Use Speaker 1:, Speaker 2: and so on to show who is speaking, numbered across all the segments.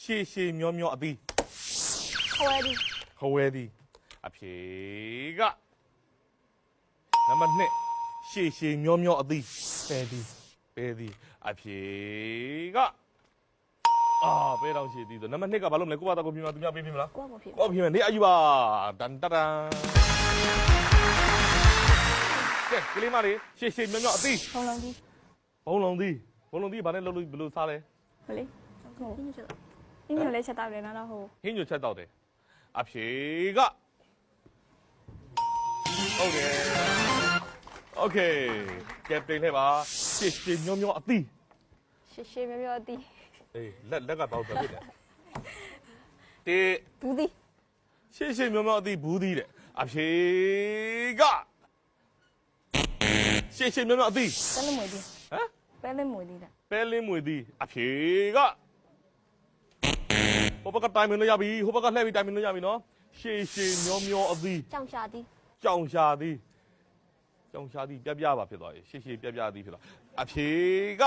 Speaker 1: ရှေရှေမျောမျောအသီး
Speaker 2: ခွဲဒီ
Speaker 1: ခဝဲသည်အဖြေကနံပါတ်2ရှေရှေမျောမျောအသီးပဲသည်အဖြေကပဲတောင်ရှေသည်ဆိုနံပါတ်2ကဘာလို့မလဲကိုပါတော့ကိုပြမသူများပေးမလား
Speaker 2: ကိုကမဖြစ်
Speaker 1: ကိုပြမနေအယူပါတန်တန်ကဲကလေးမလေးရှေရှေမျောမျောအသီး
Speaker 2: ဖုံလုံးကြီး
Speaker 1: ဘုံလုံးသည်ဘာနဲ့လုပ်လို့ဘယ်လိုစားလဲ
Speaker 2: မလေးဟုတ်အင်းညလေးချက်တော့တယ်နော်တော့ဟို
Speaker 1: ဟင်းညွတ်ချက်တော့တယ်အဖြေကဟုတ်တယ်โอเคကဲပြင်ထဲပါရှေရှေမျောမျောအသီး
Speaker 2: ရှေရှေမျိုးမျိုးအတီး
Speaker 1: အေးလက်ကတောက်တယ်ဖြစ်တယ်တေ
Speaker 2: ဘူးဒီ
Speaker 1: ရှေရှေမျောမျောအသီးဘူးသီးတဲ့အဖြေကရှေရှေမျောမျောအသီး
Speaker 2: ပဲလမွေဒီ
Speaker 1: ဟမ်
Speaker 2: ပဲလမွေဒီလား
Speaker 1: ပဲလင်းမွေသီးအဖြေကဟိုဘက်ကတိုင်မင်းလို့ရပြီဟိုဘက်ကလှည့်ပြီးတိုင်မင်းလို့ရပြီနော်ရှေရှေမျောမျောအသီး
Speaker 2: ကြောင်ရှာဒီ
Speaker 1: ကြောင်ရှာသည်ပြပြပါဖြစ်သွားပြီရှေ့ရှေ့ပြပြသည်ဖြစ်သွားအဖြေက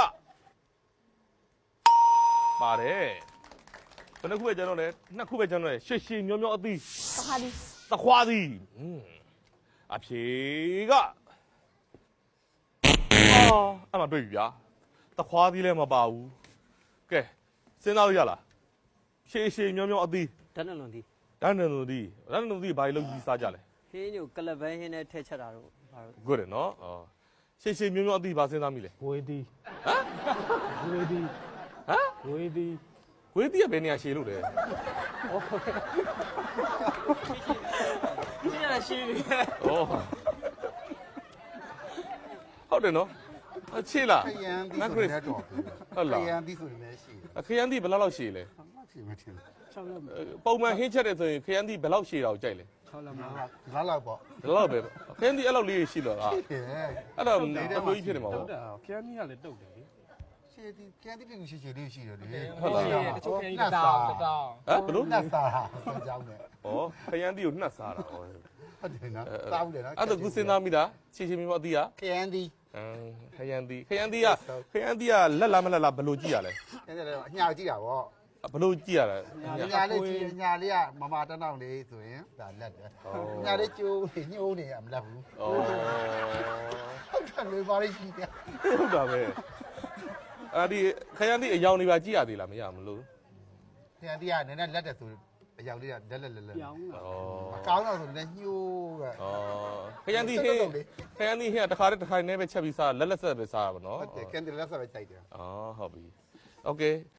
Speaker 1: ပါတယ်ဘယ်နှခုပဲကျန်တော့လဲနှစ်ခုပဲကျန်တော့လဲရှေ့ရှေ့မျောမျောအသီး
Speaker 2: သခါဒီ
Speaker 1: သခွားသည်အဖြေကအဲ့မှာတွေ့ပြီဗျာသခွားသည်လည်းမပါဘူးကဲစဉ်းစားလို့ရလားရှေ့ရှေ့မျောမျောအသီး
Speaker 3: ဓာတ်နှလုံးသည်
Speaker 1: ဒန်းနန်လူသည်ဘာလို့လုပ်ကြီးစားကြလဲ
Speaker 3: ဟင်းညိုကလဘန်းဟင်းနဲ့ထည့်ချက်တာတော့ဘာလို့
Speaker 1: good နော်ရှေ့ရှေ့မျောမျောအသီးဘာစဉ်းစားမိလဲ
Speaker 4: ဝေးသည်
Speaker 1: ဟမ်
Speaker 4: ဝေးသည်
Speaker 1: ဟမ်
Speaker 4: ဝေးသည်
Speaker 1: ဝေးတီးကဘယ်နေရာရှည်လို့လဲ
Speaker 3: ရှင်းရရှင်းနေ
Speaker 1: ဩဟုတ်တယ်နော်ချေလား
Speaker 5: ခရမ်းသီးဆိုတဲ့တော့
Speaker 1: ဟုတ်လား
Speaker 5: ခရမ်းသီးဆိုရင်လည်းရှိတယ်
Speaker 1: ခရမ်းသီးဘယ်လောက်ရှည်လဲ
Speaker 5: မှတ်ချင်မထင်
Speaker 4: 6ရက်
Speaker 1: ပုံမှန်ဟင်းချက်တယ်ဆိုရင်ခရမ်းသီးဘယ်လောက်ရှည်တာကိုကြိုက်လဲ
Speaker 4: 6ရက်မှာ
Speaker 5: ဘူးလားလောက်ပေါ့
Speaker 1: ဘယ်လောက်ပဲခရမ်းသီးအဲ့လောက်လေးရှိတော့လား
Speaker 5: ဟဲ့
Speaker 1: အဲ့တော့အမျိုးကြီးဖြစ်နေမှာ
Speaker 4: တု
Speaker 1: ပေါ့
Speaker 4: တ်တာခရမ်းကြီးကလည်းတုတ်တယ်လေ
Speaker 5: ရှည်သီးခရမ်းသီးပြူရှည်ရှည်လေးရှိတယ်လေ
Speaker 1: ဟုတ်လား
Speaker 4: တချို့ခရမ်းကြီးတောင်း
Speaker 1: ဟမ်ဘယ်လို
Speaker 5: နှက်စားတာအကြောင်းနဲ့
Speaker 1: ဩခရမ်းသီးကိုနှက်စားတာဩ
Speaker 5: ဟုတ်တယ်နော်စားဘူးတယ်နော်
Speaker 1: အဲ့တော့ခုစဉ်းစားမိတာရှည်ရှည်မျိုးအသီးက
Speaker 5: ခရမ်းသီး
Speaker 1: ခရမ်းသီးကလက်လားမလက်လားဘယ်လိုကြည့်ရလဲ
Speaker 5: အဲ့ဒါလည်းအညာကြည့်တာပေါ့
Speaker 1: ဘယ်လိုကြည့်ရလဲ
Speaker 5: ညာလေးကြည့်ညာလေးကမမတန်းတောင်လေးဆိုရင်ဒါလက်တယ်ညာလေးကျိုးညှိုးနေရမလက်ဘူး
Speaker 1: ဩ
Speaker 5: ဟုတ်တယ်လေပါလိရှိတယ်
Speaker 1: ဟုတ်တာပဲအဲ့ဒီခရမ်းသီးအယောင်တွေပါကြည့်ရသေးလားမရမလို့
Speaker 5: ခရမ်းသီးကနည်းနည်းလက်တယ်ဆိုအယောက်လေးကလက်လက်
Speaker 4: ပြောင်းတာ
Speaker 5: မကောင်းတော့ဆိုလည်းညှိုးပဲ
Speaker 1: ခရမ်းသီးဟင်းတခါတည်းတစ်ခိုင်နဲ့ပဲချက်ပြီးစားလက်ဆက်ပဲစားရပါတော့
Speaker 5: ဟုတ်တယ်ကန်တယ်လက်ဆက်ပဲကြိုက်တယ်
Speaker 1: ဟုတ်ပြီโอเค